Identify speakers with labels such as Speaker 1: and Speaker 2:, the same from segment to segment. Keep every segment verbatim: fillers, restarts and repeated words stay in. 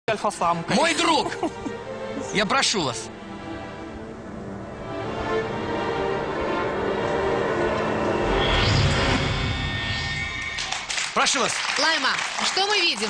Speaker 1: Альфа-самка.
Speaker 2: Мой друг, я прошу вас. Прошу вас.
Speaker 3: Лайма, что мы видим?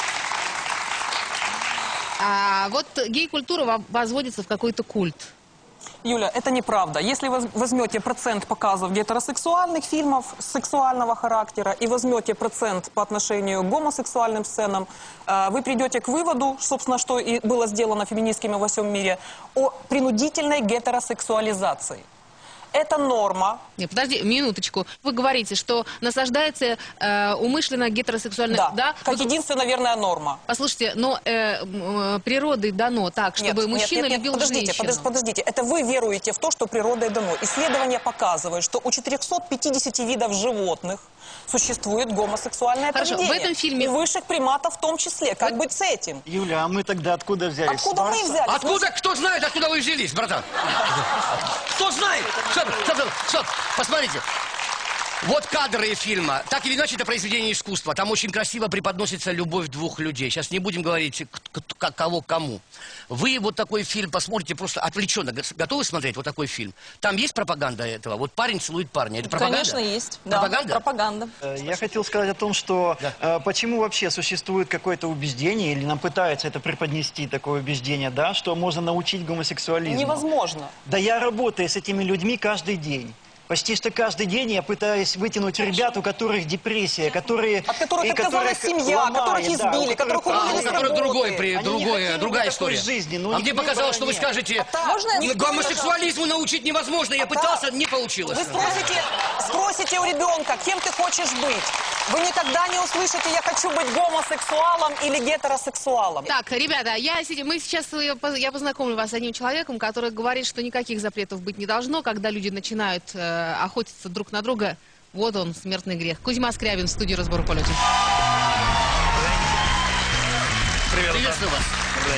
Speaker 3: А, вот гей-культура возводится в какой-то культ.
Speaker 1: Юля, это неправда. Если вы возьмете процент показов гетеросексуальных фильмов сексуального характера и возьмете процент по отношению к гомосексуальным сценам, вы придете к выводу, собственно, что и было сделано феминистками во всем мире, о принудительной гетеросексуализации. Это норма.
Speaker 3: Нет, подожди, минуточку. Вы говорите, что насаждается э, умышленно гетеросексуальная...
Speaker 1: Да,
Speaker 3: да?
Speaker 1: как
Speaker 3: Вы...
Speaker 1: единственная, наверное, норма.
Speaker 3: Послушайте, но э, э, природой дано так, чтобы
Speaker 1: нет,
Speaker 3: мужчина
Speaker 1: нет, нет,
Speaker 3: любил
Speaker 1: подождите,
Speaker 3: женщину.
Speaker 1: Подождите, подождите, это вы веруете в то, что природой дано. Исследования показывают, что у четырёхсот пятидесяти видов животных существует гомосексуальное
Speaker 3: Хорошо,
Speaker 1: поведение.
Speaker 3: в этом фильме...
Speaker 1: И высших приматов в том числе. Как
Speaker 3: Вот...
Speaker 1: быть с этим?
Speaker 4: Юля, а мы тогда откуда взялись?
Speaker 1: Откуда мы взялись?
Speaker 2: Откуда? Кто знает, откуда вы взялись, братан? Кто знает? Стоп, стоп, стоп, стоп. Посмотрите. Вот кадры фильма. Так или иначе, это произведение искусства. Там очень красиво преподносится любовь двух людей. Сейчас не будем говорить, кого кому. Вы вот такой фильм посмотрите просто отвлеченно. Готовы смотреть вот такой фильм? Там есть пропаганда этого? Вот парень целует парня. Это пропаганда?
Speaker 1: Конечно, есть.
Speaker 2: Пропаганда?
Speaker 1: Да, пропаганда.
Speaker 4: Я хотел сказать о том, что
Speaker 2: Да.
Speaker 4: э, почему вообще существует какое-то убеждение, или нам пытаются это преподнести, такое убеждение, да, что можно научить гомосексуализму.
Speaker 1: Невозможно.
Speaker 4: Да я работаю с этими людьми каждый день. Почти что каждый день я пытаюсь вытянуть ребят, у которых депрессия, которые...
Speaker 1: От которых
Speaker 4: и
Speaker 1: отказалась
Speaker 4: которых
Speaker 1: семья,
Speaker 4: ломает,
Speaker 1: которых
Speaker 4: да,
Speaker 1: избили,
Speaker 4: у которых-
Speaker 1: которых
Speaker 2: А,
Speaker 1: уволили
Speaker 2: у
Speaker 1: с
Speaker 2: которых
Speaker 1: работы.
Speaker 2: другой, при,
Speaker 4: Они
Speaker 2: другое,
Speaker 4: не хотели
Speaker 2: другая
Speaker 4: бы такой
Speaker 2: история.
Speaker 4: жизни, но
Speaker 2: а
Speaker 4: у
Speaker 2: мне
Speaker 4: них
Speaker 2: показалось, что
Speaker 4: выбора
Speaker 2: вы
Speaker 4: нет.
Speaker 2: скажете,
Speaker 1: А можно я-
Speaker 2: гомосексуализму научить невозможно. Я пытался, не получилось.
Speaker 1: Вы спросите, спросите у ребенка, кем ты хочешь быть. Вы никогда не услышите, я хочу быть гомосексуалом или гетеросексуалом.
Speaker 3: Так, ребята, я, сидя- мы сейчас, э, поз- я познакомлю вас с одним человеком, который говорит, что никаких запретов быть не должно, когда люди начинают э, охотиться друг на друга. Вот он, смертный грех. Кузьма Скрябин в студии «Разбор полетов».
Speaker 5: Привет,
Speaker 2: Приветствую вас.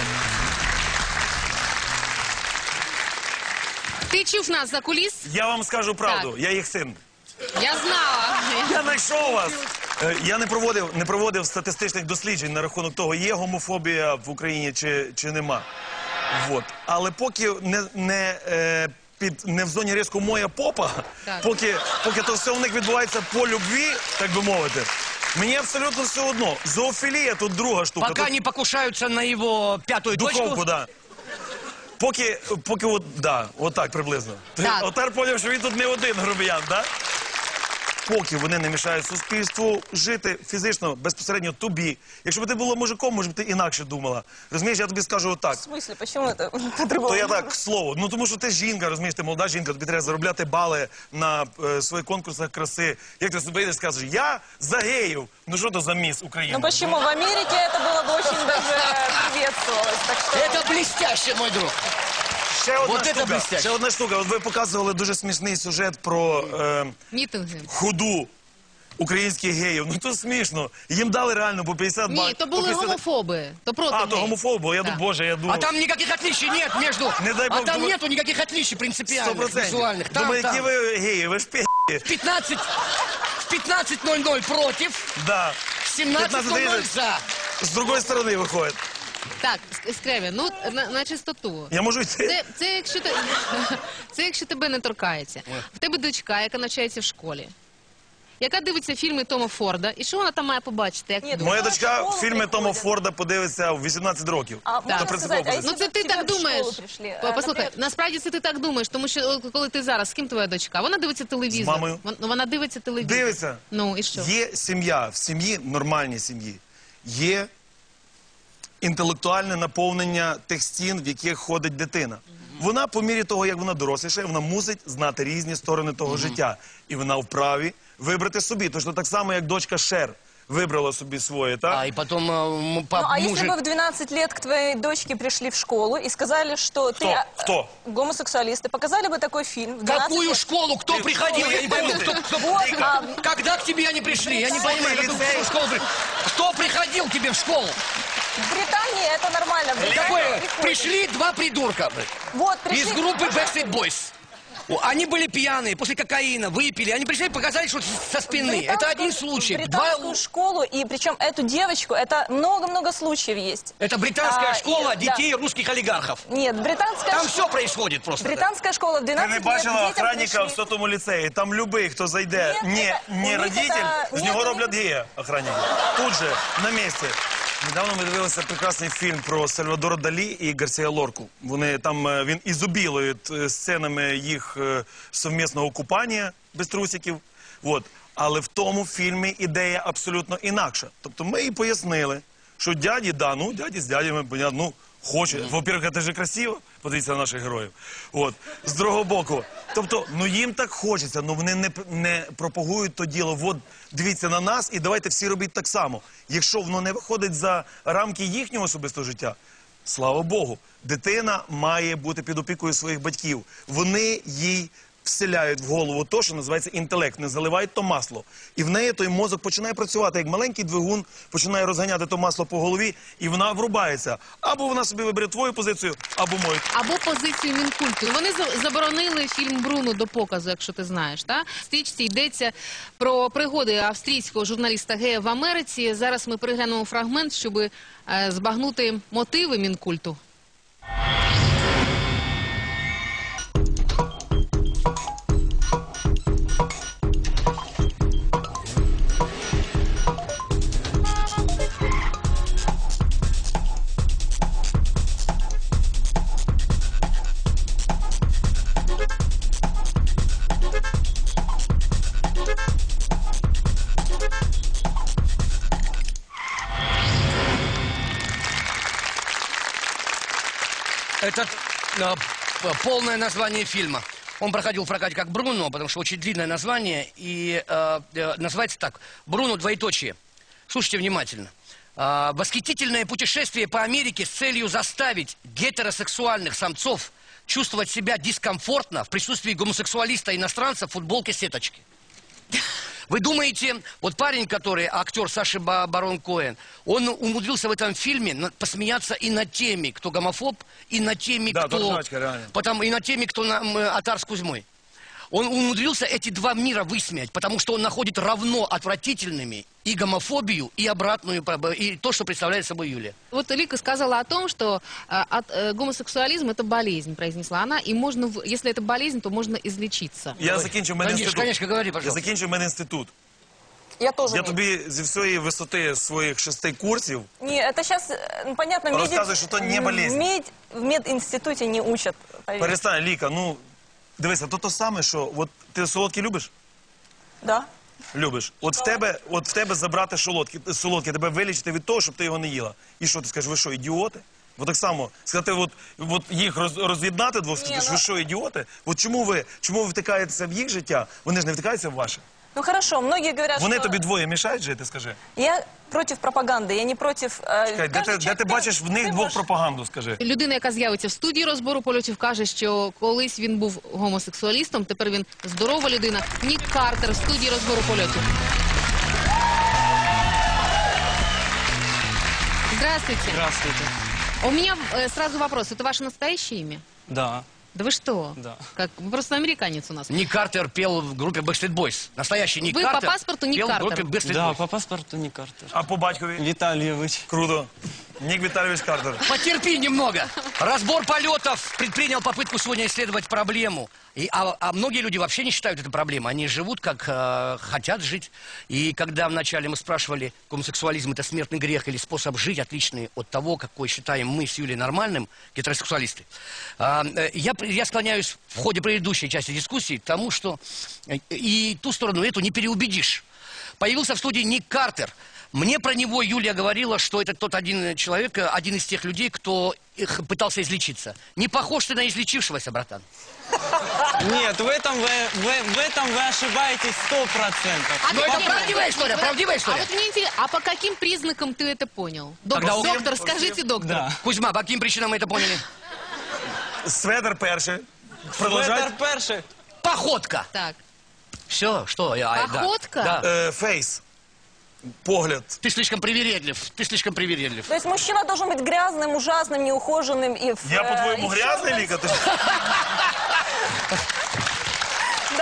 Speaker 3: Ти чув нас за куліс?
Speaker 5: Я вам скажу правду,
Speaker 3: Так.
Speaker 5: я їх син.
Speaker 3: Я знала.
Speaker 5: Я знайшов вас. Е, Я не проводив, не проводив статистичних досліджень на рахунок того, є гомофобія в Україні чи, чи нема. Вот. Але поки не, не, е, під, не в зоні риску моя попа,
Speaker 3: Так.
Speaker 5: поки, поки то все у них відбувається по любві, так би мовити, мені абсолютно все одно. Зоофілія тут друга штука.
Speaker 2: Пока
Speaker 5: Тут
Speaker 2: не покушаются на его пятую
Speaker 5: духовку,
Speaker 2: точку.
Speaker 5: да. Поки, поки от, да, отак приблизно. Ти
Speaker 3: Так.
Speaker 5: отар поняв, що він тут не один грубиян, да? Поки вони не мішають суспільству жити фізично, безпосередньо тобі. Якщо б ти була мужиком, може б ти інакше думала. Розумієш, я тобі скажу отак.
Speaker 1: В смысле, почему это
Speaker 5: То
Speaker 1: по-другому?
Speaker 5: я так, к слову. Ну тому що ти жінка, розумієш, ти молода жінка, тобі треба заробляти бали на е, своїх конкурсах краси. Як ти себе йдеш, скажеш, я за геїв. Ну що то за міс України?
Speaker 1: Ну почему? В Америке это было бы очень даже приветствовалось. Так что...
Speaker 2: Это блестяще, мой друг.
Speaker 5: Ще одна
Speaker 2: Вот це
Speaker 5: штука,
Speaker 2: блестяще.
Speaker 5: ще одна штука. От ви показували дуже смішний сюжет про е,
Speaker 3: Мітинги.
Speaker 5: худу українських геїв. Ну то смішно. Їм дали реально по п'ятдесят
Speaker 3: Ні,
Speaker 5: баксів.
Speaker 3: то були гомофоби. То проти
Speaker 5: А, то
Speaker 3: геїв.
Speaker 5: гомофоби, я
Speaker 3: Да.
Speaker 5: думаю, боже, я думаю.
Speaker 2: А там никаких отличий нет между...
Speaker 5: Не дай
Speaker 2: а
Speaker 5: бог,
Speaker 2: там
Speaker 5: думаю-
Speaker 2: нету никаких отличий
Speaker 5: сто
Speaker 2: принципиальных,
Speaker 5: процентів.
Speaker 2: визуальных. Там,
Speaker 5: Думаю,
Speaker 2: там.
Speaker 5: які ви геї, ви ж пі***.
Speaker 2: В пятнадцать... В пятнадцать ноль ноль против,
Speaker 5: Да.
Speaker 2: в семнадцать ноль ноль за.
Speaker 5: З другої сторони виходить.
Speaker 3: Так, Ск- Скрябін, ну, на, на чистоту.
Speaker 5: Я можу йти?
Speaker 3: Це, це, якщо ти, це якщо тебе не торкається. В тебе дочка, яка навчається в школі, яка дивиться фільми Тома Форда, і що вона там має побачити? Як...
Speaker 1: Ні, ну,
Speaker 5: Моя
Speaker 1: в
Speaker 5: дочка
Speaker 1: школу
Speaker 5: фільми Тома
Speaker 1: приходять.
Speaker 5: Форда подивиться в вісімнадцять років.
Speaker 1: А
Speaker 3: Так.
Speaker 1: можно
Speaker 5: Це принципово
Speaker 1: сказать, а
Speaker 5: позиція.
Speaker 3: Ну це
Speaker 1: если
Speaker 3: ти
Speaker 1: бы к тебе
Speaker 3: так
Speaker 1: в школу
Speaker 3: думаєш.
Speaker 1: пришли,
Speaker 3: По-
Speaker 1: э,
Speaker 3: Послухай,
Speaker 1: например,
Speaker 3: насправді це ти так думаєш, тому що от коли ти зараз, з ким твоя дочка? Вона дивиться телевізор.
Speaker 5: З мамою.
Speaker 3: Вон- ну, Вона дивиться телевізор.
Speaker 5: Дивиться.
Speaker 3: Ну і що?
Speaker 5: Є сім'я, в сім'ї, нормальній сім'ї, є інтелектуальне наповнення тих стін, в яких ходить дитина. Вона, по мірі того, як вона доросліша, вона мусить знати різні сторони того життя. І вона вправі вибрати собі. Точно так само, як дочка Шер вибрала собі своє, так?
Speaker 2: А, и потом э, м- пап,
Speaker 1: Ну, а если
Speaker 2: мужик...
Speaker 1: бы в двенадцать лет к твоей дочке пришли в школу и сказали, что ты э,
Speaker 5: Кто?
Speaker 1: гомосексуалист, и показали бы такой фильм в двенадцать
Speaker 2: Какую
Speaker 1: лет?
Speaker 2: школу? Кто
Speaker 5: Ты
Speaker 2: приходил?
Speaker 5: в
Speaker 2: Я не пойму,
Speaker 5: школу
Speaker 2: кто,
Speaker 5: ты.
Speaker 2: кто-
Speaker 1: Вот, а,
Speaker 2: Когда к тебе они пришли? Я не понимаю,
Speaker 5: Школы,
Speaker 2: какую
Speaker 5: лицей.
Speaker 2: школу при- Кто приходил к тебе в школу?
Speaker 1: в Британии это нормально. В Британии
Speaker 2: Какое?
Speaker 1: приходят.
Speaker 2: Пришли два придурка блядь,
Speaker 1: Вот, пришли.
Speaker 2: из группы Backstreet Boys. О, Они были пьяные, после кокаина, выпили. Они пришли и показали, что со спины. Это один случай.
Speaker 6: Британскую
Speaker 2: Два...
Speaker 6: школу, и причем эту девочку, это много-много случаев есть.
Speaker 2: Это британская
Speaker 6: А,
Speaker 2: школа
Speaker 6: и-
Speaker 2: детей русских олигархов.
Speaker 6: Нет, британская
Speaker 2: Там
Speaker 6: ш-
Speaker 2: все происходит просто.
Speaker 6: Британская школа в
Speaker 5: Ти
Speaker 6: двенадцать
Speaker 5: не
Speaker 6: лет
Speaker 5: бачила
Speaker 6: детям
Speaker 5: охранника
Speaker 6: пришли.
Speaker 5: в сотому ліцеї? Там любий, хто зайде,
Speaker 6: Ні,
Speaker 5: не,
Speaker 6: це- у
Speaker 5: не
Speaker 6: них
Speaker 5: родитель,
Speaker 6: це-
Speaker 5: з
Speaker 6: ні,
Speaker 5: нього
Speaker 6: у них
Speaker 5: роблять гея охранники. Тут же, на місці. Недавно ми дивилися прекрасний фільм про Сальвадора Далі і Гарсія Лорку. Вони там, е, він ізобілує е, сценами їх е, совмісного купання без трусиків. От. Але в тому фільмі ідея абсолютно інакша. Тобто ми їй пояснили, що дяді, да, ну, дяді з дядями, понятно, ну, хоче. Во-первых, це ж красиво, подивіться на наших героїв. От. З другого боку. Тобто, ну їм так хочеться, ну вони не, не пропагують то діло. От, дивіться на нас і давайте всі робіть так само. Якщо воно не виходить за рамки їхнього особистого життя, слава Богу, дитина має бути під опікою своїх батьків. Вони їй вселяють в голову то, що називається інтелект, не заливають то масло. І в неї той мозок починає працювати, як маленький двигун, починає розганяти то масло по голові, і вона врубається. Або вона собі вибере твою позицію, або мою.
Speaker 3: Або позицію Мінкульту. Вони за- заборонили фільм «Бруно» до показу, якщо ти знаєш. Та? В стрічці йдеться про пригоди австрійського журналіста гея в Америці. Зараз ми переглянемо фрагмент, щоб е, збагнути мотиви Мінкульту.
Speaker 2: Это э, п- полное название фильма. Он проходил в прокате как «Бруно», потому что очень длинное название. И э, э, называется так. «Бруно, двоеточие». Слушайте внимательно. А, восхитительное путешествие по Америке с целью заставить гетеросексуальных самцов чувствовать себя дискомфортно в присутствии гомосексуалиста-иностранца в футболке сеточки. Вы думаете, вот парень, который актер Саши Ба- Барон Коэн, он умудрился в этом фильме на- посмеяться и над теми, кто гомофоб, и над теми,
Speaker 5: Да,
Speaker 2: кто...
Speaker 5: дурачка, реально.
Speaker 2: Потом, и над теми, кто на, м, Атар с Кузьмой. Он умудрился эти два мира высмеять, потому что он находит равно отвратительными и гомофобию, и обратную, поб- и то, что представляет собой Юлия.
Speaker 3: Вот Лика сказала о том, что э, от, э, гомосексуализм – это болезнь, произнесла она, и можно, в- если это болезнь, то можно излечиться.
Speaker 5: Я закінчив
Speaker 2: Конечно,
Speaker 5: медінститут.
Speaker 2: конечно, говори,
Speaker 5: Я
Speaker 2: пожалуйста.
Speaker 5: закінчив медінститут.
Speaker 1: Я тоже
Speaker 5: Я
Speaker 1: нет.
Speaker 5: тобі зі всієї висоти своїх шести курсів
Speaker 6: Не, это сейчас, ну, понятно, в, меди-
Speaker 5: Рассказывай, что это не болезнь.
Speaker 6: в, мед- в мединституте не учат. поверь.
Speaker 5: перестань, Ліка, ну, дивися, то то саме, що, от ти солодкі любиш?
Speaker 6: Да.
Speaker 5: Любиш. От в тебе, от в тебе забрати солодкі, солодкі, тебе вилічити від того, щоб ти його не їла. І що, ти скажеш, ви що, ідіоти? От так само, сказати, от, от їх роз, роз'єднати двох,
Speaker 6: Ні,
Speaker 5: скажеш,
Speaker 6: ну-
Speaker 5: ви що, ідіоти? От чому ви, чому ви втикаєтеся в їх життя, вони ж не втикаються в ваше?
Speaker 6: Ну хорошо, многие говорят,
Speaker 5: Вони
Speaker 6: что
Speaker 5: тобі двоє мішають жити, скажи.
Speaker 6: я против пропаганды, я не против... э,
Speaker 5: Чекай, де
Speaker 6: каждый
Speaker 5: ти, де
Speaker 6: человек
Speaker 5: ти
Speaker 6: прав-
Speaker 5: бачиш в них
Speaker 6: ты
Speaker 5: двох
Speaker 6: можешь-
Speaker 5: пропаганду, скажи?
Speaker 3: Людина, яка з'явиться в студії розбору польотів, каже, що колись він був гомосексуалістом, тепер він здорова людина. Нік Картер в студії розбору польотів. Здравствуйте.
Speaker 7: Здравствуйте.
Speaker 3: У меня э, сразу вопрос. Это ваше настоящее имя?
Speaker 7: Да,
Speaker 3: Да вы что?
Speaker 7: Да.
Speaker 3: Как? Вы просто американец у нас.
Speaker 2: Ник Картер пел в группе Backstreet Boys. Настоящий Ник
Speaker 3: Вы по
Speaker 2: Картер
Speaker 3: паспорту Ник
Speaker 2: пел
Speaker 3: Картер.
Speaker 2: в группе Backstreet
Speaker 7: да,
Speaker 2: Boys.
Speaker 7: по паспорту не Картер.
Speaker 5: А по батькові?
Speaker 7: Витальевич.
Speaker 5: Круто. Нік Віталійович Картер.
Speaker 2: Потерпи немного. Разбор полетов предпринял попытку сегодня исследовать проблему. И, а, а многие люди вообще не считают это проблемой. Они живут, как э, хотят жить. И когда вначале мы спрашивали, гомосексуализм это смертный грех или способ жить, отличный от того, какой считаем мы с Юлей нормальным, гетеросексуалисты, э, э, я, я склоняюсь в ходе предыдущей части дискуссии к тому, что э, и ту сторону эту не переубедишь. Появился в студии Ник Картер. Мне про него Юлия говорила, что это тот один человек, один из тех людей, кто их пытался излечиться. Не похож ты на излечившегося, братан.
Speaker 7: Нет, в этом вы, вы- в этом вы ошибаетесь сто процентов.
Speaker 3: А
Speaker 2: Но
Speaker 3: ты
Speaker 2: это
Speaker 3: где-
Speaker 2: правдивая история, правдивая
Speaker 3: А
Speaker 2: история.
Speaker 3: вот мне интересно, а по каким признакам ты это понял? Доктор,
Speaker 2: Когда у-
Speaker 3: доктор, скажите, доктор.
Speaker 7: Да.
Speaker 2: Кузьма, по каким причинам мы это поняли?
Speaker 5: Светер перший.
Speaker 7: Ветер
Speaker 5: Продовжай.
Speaker 7: перший.
Speaker 2: Походка.
Speaker 3: Так.
Speaker 2: Все, что я... а, да.
Speaker 3: Походка?
Speaker 2: Да.
Speaker 5: Е, Фейс. Погляд.
Speaker 2: Ты слишком привередлив, ты слишком привередлив.
Speaker 6: То есть мужчина должен быть грязным, ужасным, неухоженным и... в,
Speaker 5: Я,
Speaker 6: э,
Speaker 5: по-твоему,
Speaker 6: и в
Speaker 5: грязный,
Speaker 6: чёрном-
Speaker 5: Лика? Ти ж-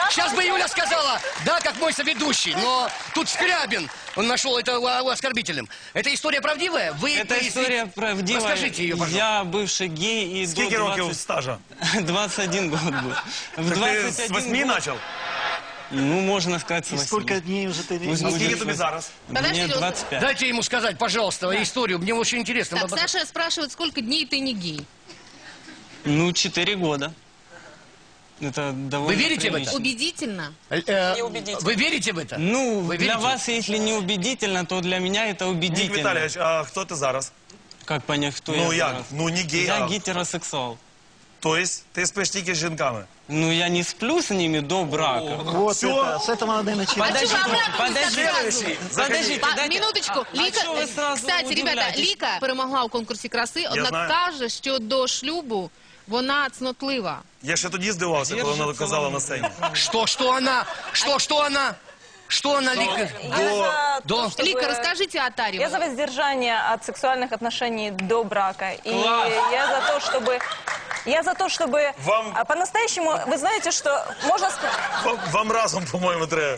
Speaker 2: Сейчас бы Юля сказала, да, как мой соведущий, но тут Скрябин, он нашел это оскорбительным. Это история правдивая? Вы
Speaker 7: Это
Speaker 2: произвели-
Speaker 7: история правдивая.
Speaker 2: Расскажите ее, пожалуйста.
Speaker 7: Я бывший гей и
Speaker 5: Скільки
Speaker 7: до
Speaker 5: років
Speaker 7: двадцати
Speaker 5: стажа?
Speaker 7: двадцать один год был. В
Speaker 5: Так ти
Speaker 7: двадцать
Speaker 5: з
Speaker 7: один
Speaker 5: восьми
Speaker 7: год,
Speaker 5: почав?
Speaker 7: ну, можно сказать, с
Speaker 4: И
Speaker 7: восьми.
Speaker 4: сколько дней уже ты...
Speaker 7: Пусть
Speaker 5: А
Speaker 7: будет
Speaker 5: скільки тобі
Speaker 7: восемь.
Speaker 5: зараз?
Speaker 7: Мне
Speaker 3: Подождите, вот-
Speaker 7: двадцать пять.
Speaker 2: Дайте ему сказать, пожалуйста, историю, мне очень интересно.
Speaker 3: Так, Саша спрашивает, сколько дней ты не гей?
Speaker 7: Ну, четыре года. Это довольно
Speaker 2: Вы верите в
Speaker 7: прилично.
Speaker 2: это?
Speaker 3: Убедительно?
Speaker 2: Э,
Speaker 1: Неубедительно.
Speaker 2: Вы верите в это?
Speaker 7: Ну,
Speaker 2: Вы
Speaker 7: для
Speaker 2: верите?
Speaker 7: вас, если не убедительно, то для меня это
Speaker 5: Нік
Speaker 7: убедительно.
Speaker 5: Віталійович, а хто ти зараз?
Speaker 7: Как понять, кто
Speaker 5: Ну
Speaker 7: я
Speaker 5: як?
Speaker 7: зараз?
Speaker 5: Ну не гей,
Speaker 7: Я
Speaker 5: а...
Speaker 7: гетеросексуал.
Speaker 5: Тобто ти спиш тільки з жінками?
Speaker 7: Ну, я не сплю с ними до брака.
Speaker 4: Вот
Speaker 5: Всё.
Speaker 4: это, с этого надо и начинать.
Speaker 3: Подождите,
Speaker 7: подождите,
Speaker 3: подождите.
Speaker 7: подождите,
Speaker 3: Па-
Speaker 7: дайте-
Speaker 3: Минуточку.
Speaker 7: А
Speaker 3: Ліка,
Speaker 7: чого ви сразу
Speaker 3: кстати, ребята,
Speaker 7: удивляєтесь?
Speaker 3: Ліка перемогла у конкурсі краси, однак
Speaker 5: знаю.
Speaker 3: каже, що до шлюбу вона цнотлива.
Speaker 5: Я ще тоді здивався, коли вона
Speaker 7: Держиться
Speaker 5: казала
Speaker 7: вона.
Speaker 5: на сцені.
Speaker 2: Что, что она? Что, что она? Что она, Лика?
Speaker 6: Я за
Speaker 2: до-
Speaker 6: то, чтобы-
Speaker 3: Лика, расскажите о Таре.
Speaker 6: Я за воздержание от сексуальных отношений до брака. И
Speaker 7: Класс.
Speaker 6: я за то, чтобы... Я за то, чтобы
Speaker 5: Вам-
Speaker 6: а, по-настоящему... Вы знаете, что можно... ск-
Speaker 5: Вам, вам разом, по-моєму, треба.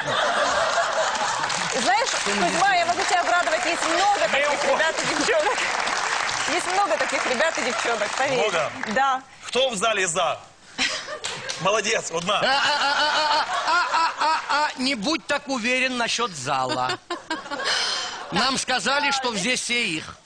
Speaker 6: Знаешь, Кузьма, я могу тебя обрадовать. Есть много таких ребят и девчонок. Есть много таких ребят и девчонок, поверь.
Speaker 5: Много?
Speaker 6: Да.
Speaker 5: Хто в залі за? Молодець, одна.
Speaker 2: А-а-а-а-а-а-а, не будь так уверен насчет зала. Нам сказали, что здесь все их.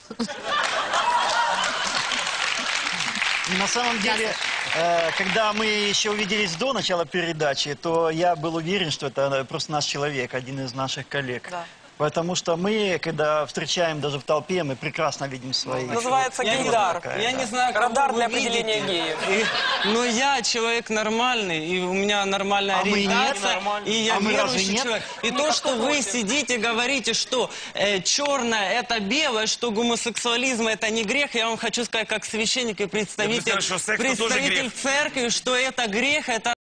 Speaker 4: На самом деле, э, когда мы еще увиделись до начала передачи, то я был уверен, что это просто наш человек, один из наших коллег.
Speaker 6: Да.
Speaker 4: Потому что мы, когда встречаем даже в толпе, мы прекрасно видим свои...
Speaker 1: Называется
Speaker 7: Я не-
Speaker 1: гейдар.
Speaker 7: Я не знаю, кого
Speaker 1: Радар
Speaker 7: вы
Speaker 1: для
Speaker 7: видите.
Speaker 1: определения геев.
Speaker 7: И- но я человек нормальный, и у меня нормальная
Speaker 4: А мы нет?
Speaker 7: ориентация, и я
Speaker 4: А мы разве
Speaker 7: верующий
Speaker 4: нет?
Speaker 7: человек. И то, что вы сидите, говорите, что э, черное это белое, что гомосексуализм это не грех, я вам хочу сказать, как священник и представитель,
Speaker 5: Я бы сказал, что секс тоже
Speaker 7: представитель
Speaker 5: грех.
Speaker 7: церкви, что это грех, это